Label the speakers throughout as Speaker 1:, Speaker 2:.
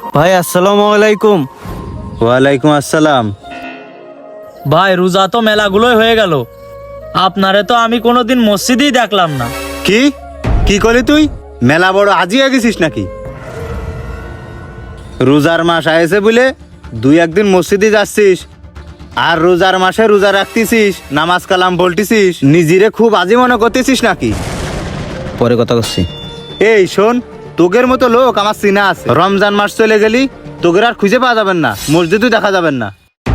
Speaker 1: ভাই আসসালামু আলাইকুম।
Speaker 2: ওয়ালাইকুম আসসালাম।
Speaker 3: ভাই রোজা তো মেলাগুলোই হয়ে গেল, আপনারে তো আমি কোনোদিন মসজিদেই দেখলাম না।
Speaker 2: কি কি করলি তুই? মেলা বড় আজিয়া গেছিস নাকি? রোজার মাস আয়েছে বলে দুই একদিন মসজিদে যাচ্ছিস, আর রোজার মাসে রোজা রাখতেছিস, নামাজ কালাম বলতেছিস, নিজেরে খুব আজি মনে করতেছিস নাকি?
Speaker 4: পরে কথা করছি।
Speaker 2: এই শোন, তোগের মতো লোক আমার চিনা আছে। রমজান মাস চলে গেলি তোগের আর খুঁজে পাওয়া যাবেন না, মসজিদও দেখা যাবেন না।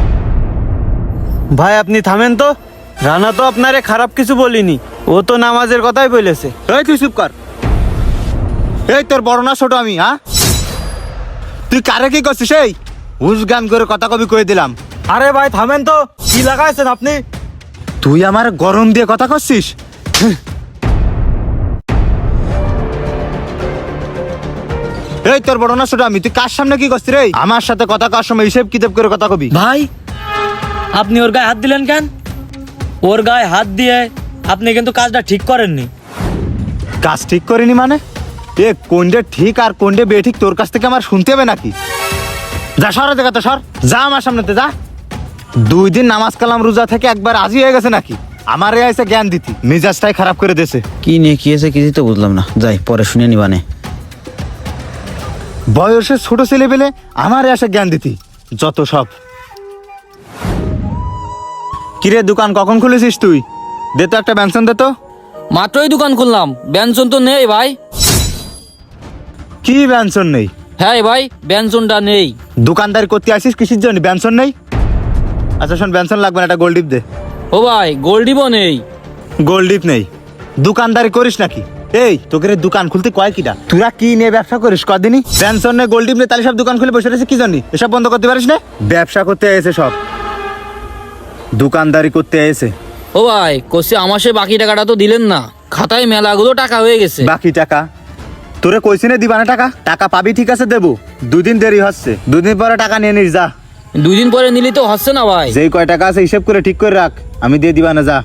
Speaker 1: ভাই আপনি থামেন তো, রানা তো আপনারে খারাপ কিছু বলিনি, ও তো নামাজের কথাই বলেছে।
Speaker 2: এই তুই চুপ কর। এই তোর বড় না ছোট আমি? হ্যাঁ, তুই কারে কি করছিস? এই হুস গান করে কথা কবি কয়ে দিলাম।
Speaker 1: আরে ভাই থামেন তো, কি লাগাইছেন আপনি?
Speaker 2: তুই আমার গরম দিয়ে কথা করছিস? এই তোর বড় না ছোট আমি? তুই কার সামনে কি করছিস রে? আমার সাথে কথা কার সময় হিসেব কিতাব করে কথা কবি।
Speaker 3: ভাই আপনি ওর গায়ে হাত দিলেন কেন? ওর গায়ে হাত দিয়ে আপনি কিন্তু কাজটা ঠিক করেননি।
Speaker 2: কাজ ঠিক করিনি মানে? এ কোনটা ঠিক আর কোনটা বেঠিক তোর কাছ থেকে আমার শুনতে হবে নাকি? যা সরে দেখা তো সর, যা আমার সামনেতে যা। 2 দিন নামাজ কালাম রোজা থেকে একবার আজি হয়ে গেছে নাকি? আমারে এসে জ্ঞান দিতি, মেজাজটাই খারাপ করে দিয়েছে।
Speaker 4: কি নিয়ে কি হয়েছে কিছুই তো বুঝলাম না, যাই পরে শুনে নিবানে।
Speaker 2: বয়সে ছোট ছেলে পেলে আমারে এসে জ্ঞান দিতি, যত সব। কিরে দোকান কখন খুলেছিস তুই? দে তো একটা ব্যঞ্জন দে তো।
Speaker 5: মাত্রই দোকান খুললাম, ব্যঞ্জন তো নেই ভাই।
Speaker 2: কি ব্যঞ্জন নেই?
Speaker 5: হ্যাঁ ভাই, ব্যঞ্জনটা নেই।
Speaker 2: দোকানদারি করতে আসিস কিসের জন্য? ব্যঞ্জন নেই? আচ্ছা শোন, ব্যঞ্জন লাগবে না, একটা গোল্ড ডিপ দে।
Speaker 5: ও ভাই, গোল্ডিবও নেই।
Speaker 2: গোল্ড ডিপ নেই? দোকানদারি করিস নাকি? এই তোকে দোকান খুলতে কয় কিটা? তোরা কি নিয়ে ব্যবসা করিস কদিনই? পেনশন নেই, গোল্ড ডিপ নেই, তাহলে সব দোকান খুলে বসে রয়েছে কি জানি? এসব বন্ধ করতে পারিস না? ব্যবসা করতে এসে সব দোকানদারি করতে এসে।
Speaker 5: ও ভাই কষি, আমার সে বাকি টাকাটা তো দিলেন না। খাতায় মেলাগুলো টাকা হয়ে গেছে।
Speaker 2: বাকি টাকা তোরে কইছি না দিবানা? টাকা টাকা পাবি, ঠিক আছে দেবো। 2 দিন দেরি হচ্ছে, 2 দিন পরে টাকা নিয়ে নিস যা।
Speaker 5: 2 দিন পরে নিলি তো হচ্ছে না ভাই।
Speaker 2: যেই কয় টাকা আছে হিসেব করে ঠিক করে রাখ, আমি দিয়ে দিবানা যা।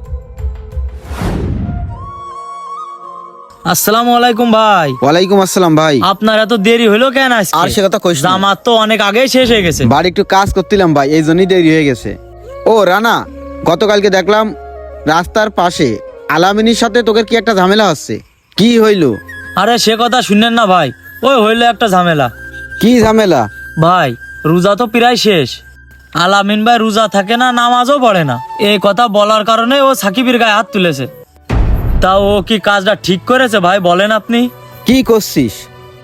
Speaker 3: আসসালামু আলাইকুম ভাই।
Speaker 4: ওয়ালাইকুম আসসালাম ভাই।
Speaker 3: আপনার এত দেরি হলো কেন আজকে?
Speaker 4: আর সে কথা কইস না।
Speaker 3: জামাত তো অনেক আগেই শেষ হয়ে গেছে।
Speaker 4: বাড়ি একটু কাজ করছিলাম ভাই, এই জন্যই দেরি হয়ে গেছে। ও রানা, গতকালকে দেখলাম রাস্তার পাশে আলামিনীর সাথে তোকে কি একটা ঝামেলা হচ্ছে, কি হইলো?
Speaker 3: আরে সে কথা শুনেন না ভাই, ওই হইলো একটা ঝামেলা।
Speaker 4: কি ঝামেলা?
Speaker 3: ভাই রোজা তো প্রায় শেষ, আলামিন ভাই রোজা থাকে না, নামাজও পড়ে না। এই কথা বলার কারণে ও সাকিবের গায়ে হাত তুলেছে। তা ও কি কাজটা ঠিক করেছে ভাই বলেন আপনি?
Speaker 4: কি করছিস?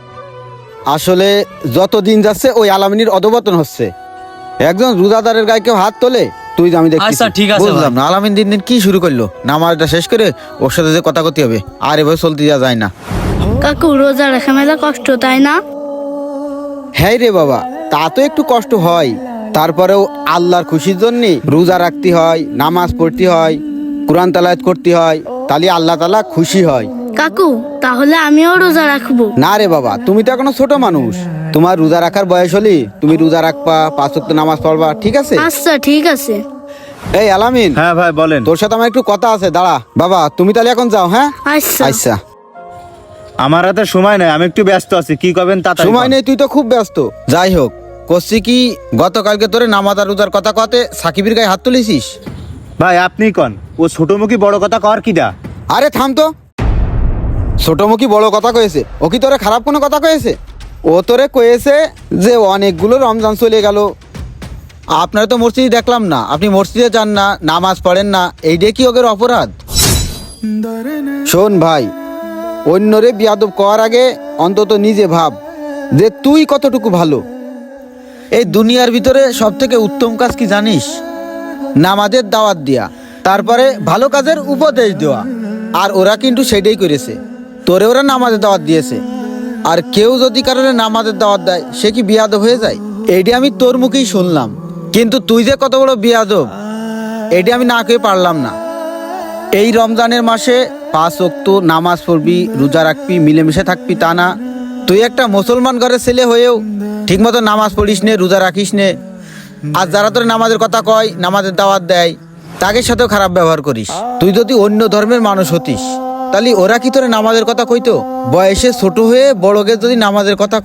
Speaker 4: আসলে যত দিন যাচ্ছে ওই আলামিনীর অধপতন হচ্ছে। একজন রোজাদারের গায়ে কেউ হাত তোলে? তুই আমি দেখছি।
Speaker 3: আচ্ছা, ঠিক আছে
Speaker 4: বুঝলাম না, আলামিন দিন দিন কি শুরু করলো? নামাজটা শেষ করে ওর সাথে যে কথা করতে হবে, আর এভাবে চলতে যাওয়া যায় না।
Speaker 6: কাকু রোজা রাখা মেলা কষ্ট, তাই না?
Speaker 4: হ্যাঁ রে বাবা, তা তো একটু কষ্ট হয়, তারপরেও আল্লাহর খুশির জন্য রোজা রাখতে হয়, নামাজ পড়তে হয়, কোরআন তেলাওয়াত করতে হয়, তাহলে আল্লাহ তাআলা খুশি হয়।
Speaker 6: কাকু তাহলে আমিও রোজা রাখবো।
Speaker 4: না রে বাবা, তুমি তো এখনো ছোট মানুষ, তোমার রোজা রাখার বয়স হলি তুমি রোজা রাখবা, 5 ওয়াক্ত নামাজ পড়বা, ঠিক আছে?
Speaker 6: আচ্ছা ঠিক আছে।
Speaker 4: এই আলামিন,
Speaker 2: হ্যাঁ ভাই বলেন।
Speaker 4: তোর সাথে আমার একটু কথা আছে, দাঁড়া। বাবা তুমি তাহলে এখন যাও। হ্যাঁ
Speaker 6: আচ্ছা
Speaker 4: আচ্ছা।
Speaker 2: আমার হাতে সময় নাই, আমি একটু ব্যস্ত আছি। কি করবেন তাড়াতাড়ি
Speaker 4: সময়
Speaker 2: কর।
Speaker 4: নেই, তুই তো খুব ব্যস্ত। যাই হোক, করছি কি, গতকালকে তোরে নামাজ আর রোজার কথা কতে সাকিবের গায়ে হাত তুলেছিস?
Speaker 2: ভাই আপনি কন, ও ছোটমুখী বড় কথা কর কিটা?
Speaker 4: আরে থাম তো, ছোটমুখী বড় কথা কয়েছে? ও কি তোরে খারাপ কোনো কথা কয়েছে? ও তোরে কয়েছে যে অনেকগুলো রমজান চলে গেল, আপনারা তো মসজিদে দেখলাম না, আপনি মসজিদে যান না, নামাজ পড়েন না, এইটা কি ওদের অপরাধ? শোন ভাই, অন্যরে বিয়াদব করার আগে অন্তত নিজে ভাব যে তুই কতটুকু ভালো। এই দুনিয়ার ভিতরে সব থেকে উত্তম কাজ কি জানিস? নামাজের দাওয়াত দেয়া, তারপরে ভালো কাজের উপদেশ দেওয়া। আর ওরা কিন্তু সেটাই করেছে, তোরে ওরা নামাজের দাওয়াত দিয়েছে। আর কেউ যদি কারণে নামাজের দাওয়াত দেয়, সে কি বিয়াদব হয়ে যায়? এইটা আমি তোর মুখেই শুনলাম, কিন্তু তুই যে কত বড় বিয়াদব এইটা আমি না কয়ে পারলাম না। এই রমজানের মাসে 5 ওয়াক্ত নামাজ পড়বি, রোজা রাখবি, মিলেমিশে থাকবি, তা না তুই একটা মুসলমান ঘরের ছেলে হয়েও ঠিকমতো নামাজ পড়িস নে, রোজা রাখিস নে। আর যারা তোর নামাজের কথা কয়, নামাজের দাওয়াত দেয়, তাদের সাথেও খারাপ ব্যবহার করিস। তুই যদি অন্য ধর্মের মানুষ হতিস, তাহলে ওরা কি তোরে নামাজের কথা কইতো? বয়সে ছোট হয়ে বড়কে যদি নামাজের কথা কয়,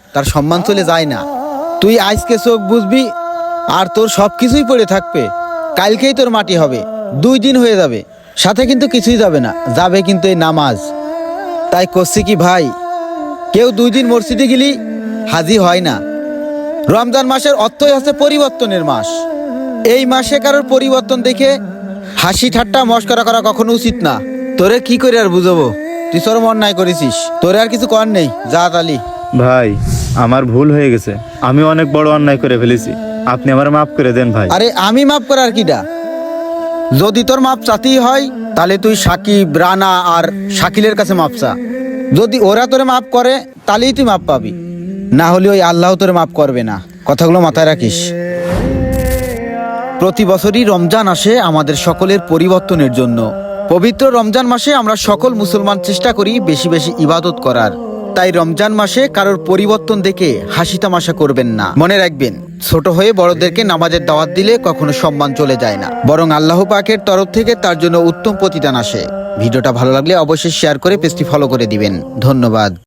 Speaker 4: তার সম্মান চলে যায় না। তুই আজকে চোখ বুঝবি আর তোর সব কিছুই পড়ে থাকবে, কালকেই তোর মাটি হবে, 2 দিন হয়ে যাবে, সাথে কিন্তু কিছুই যাবে না, যাবে কিন্তু এই নামাজ। তাই করছি কি ভাই, কেউ 2 দিন মসজিদে গেলি হাজি হয় না। রমজান মাসের অর্থই হচ্ছে পরিবর্তনের মাস। এই মাসে কারোর পরিবর্তন দেখে হাসি ঠাট্টা মস্করা করা কখনো উচিত না। তোরে কি করে আর বুঝাবো, তুই চরম অন্যায় করেছিস, তোরে আর কিছু কর নেই, যা তালি।
Speaker 2: ভাই আমার ভুল হয়ে গেছে, আমি অনেক বড় অন্যায় করে ফেলেছি, আপনি আমার মাফ করে দেন ভাই।
Speaker 4: আরে আমি মাফ করার কিডা? যদি তোর মাপ চাতেই হয় তাহলে তুই সাকিব, রানা আর শাকিলের কাছে মাপ চা। যদি ওরা তোরে মাফ করে তাহলেই তুই মাপ পাবি, না হলে ওই আল্লাহ তোরে মাফ করবে না। কথাগুলো মাথায় রাখিস। প্রতি বছরই রমজান আসে আমাদের সকলের পরিবর্তনের জন্য। পবিত্র রমজান মাসে আমরা সকল মুসলমান চেষ্টা করি বেশি বেশি ইবাদত করার। তাই রমজান মাসে কারোর পরিবর্তন দেখে হাসি তামাশা করবেন না। মনে রাখবেন, ছোট হয়ে বড়দেরকে নামাজের দাওয়াত দিলে কখনো সম্মান চলে যায় না, বরং আল্লাহ পাকের তরফ থেকে তার জন্য উত্তম প্রতিদান আসে। ভিডিওটা ভালো লাগলে অবশ্যই শেয়ার করে পেজটি ফলো করে দিবেন। ধন্যবাদ।